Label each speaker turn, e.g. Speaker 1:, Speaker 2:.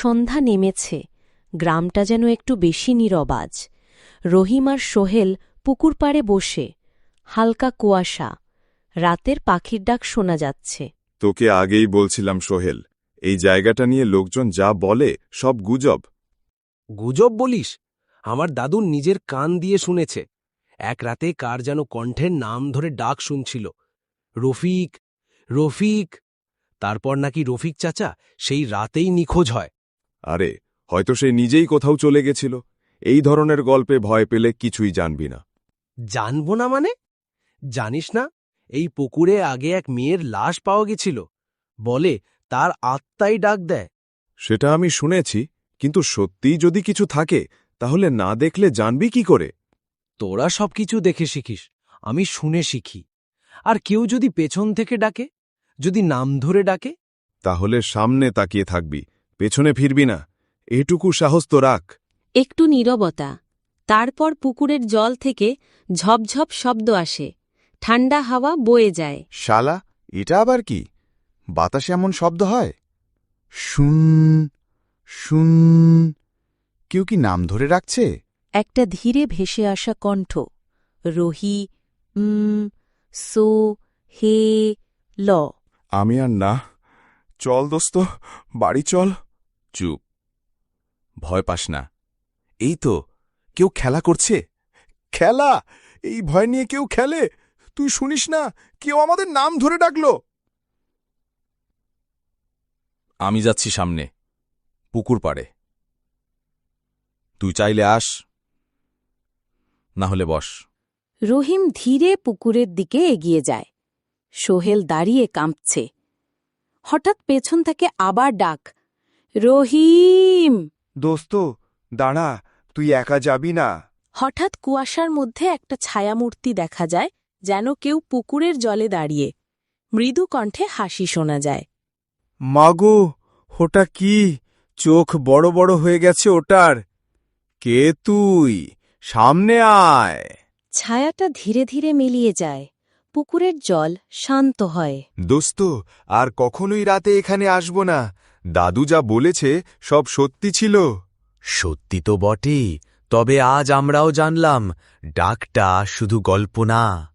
Speaker 1: সন্ধ্যা নেমেছে, গ্রামটা যেন একটু বেশি নীরবাজ। রহিম আর সোহেল পুকুর পাড়ে বসে, হালকা কুয়াশা, রাতের পাখির ডাক শোনা যাচ্ছে।
Speaker 2: তোকে আগেই বলছিলাম সোহেল, এই জায়গাটা নিয়ে লোকজন যা বলে সব গুজব।
Speaker 3: গুজব বলিস? আমার দাদু নিজের কান দিয়ে শুনেছে। এক রাতে কার যেন কণ্ঠের নাম ধরে ডাক শুনছিল, রফিক, রফিক। তারপর নাকি রফিক চাচা সেই রাতেই নিখোঁজ হয়।
Speaker 2: আরে, হয়তো সে নিজেই কোথাও চলে গেছিল। এই ধরনের গল্পে ভয় পেলে কিছুই জানবি না।
Speaker 3: জানব না মানে? জানিস না, এই পুকুরে আগে এক মেয়ের লাশ পাওয়া গেছিল। বলে তার আত্মাই ডাক দেয়।
Speaker 2: সেটা আমি শুনেছি, কিন্তু সত্যিই যদি কিছু থাকে তাহলে না দেখলে জানবি কি করে?
Speaker 3: তোরা সবকিছু দেখে শিখিস, আমি শুনে শিখি। আর কেউ যদি পেছন থেকে ডাকে, যদি নাম ধরে ডাকে,
Speaker 2: তাহলে সামনে তাকিয়ে থাকবি, পেছনে ফিরবি না। এটুকু সাহস তো রাখ।
Speaker 1: একটু নীরবতা, তারপর পুকুরের জল থেকে ঝপঝপ শব্দ আসে, ঠান্ডা হাওয়া বয়ে যায়।
Speaker 4: শালা, এটা আবার কি? বাতাসে এমন শব্দ হয়? শুন শুন, কেউ কি নাম ধরে রাখছে?
Speaker 1: একটা ধীরে ভেসে আসা কণ্ঠ, রহি, সো, হে, ল।
Speaker 2: আমি আর না। চল দোস্ত, বাড়ি চল।
Speaker 4: চুপ, ভয় পাস না। এই তো কেউ খেলা করছে।
Speaker 2: খেলা? এই ভয় নিয়ে কেউ খেলে? তুই শুনিস না, কেউ আমাদের নাম ধরে ডাকল।
Speaker 4: আমি যাচ্ছি সামনে, পুকুর পাড়ে। তুই চাইলে আস, না হলে বস।
Speaker 1: রহিম ধীরে পুকুরের দিকে এগিয়ে যায়। সোহেল দাঁড়িয়ে কাঁপছে। হঠাৎ পেছন থেকে আবার ডাক, রহিম।
Speaker 5: দোস্ত দাঁড়া, তুই একা যাবি না।
Speaker 1: হঠাৎ কুয়াশার মধ্যে একটা ছায়ামূর্তি দেখা যায়, যেন কেউ পুকুরের জলে দাঁড়িয়ে। মৃদু কণ্ঠে হাসি শোনা যায়।
Speaker 5: মাগো, ওটা কি? চোখ বড় বড় হয়ে গেছে ওটার। কে তুই? সামনে আয়।
Speaker 1: ছায়াটা ধীরে ধীরে মিলিয়ে যায়, পুকুরের জল শান্ত হয়।
Speaker 2: দোস্ত, আর কখনোই রাতে এখানে আসব না। দাদু যা বলেছে সব সত্যি ছিল।
Speaker 3: সত্যি তো বটেই, তবে আজ আমরাও জানলাম ডাকটা শুধু গল্প না।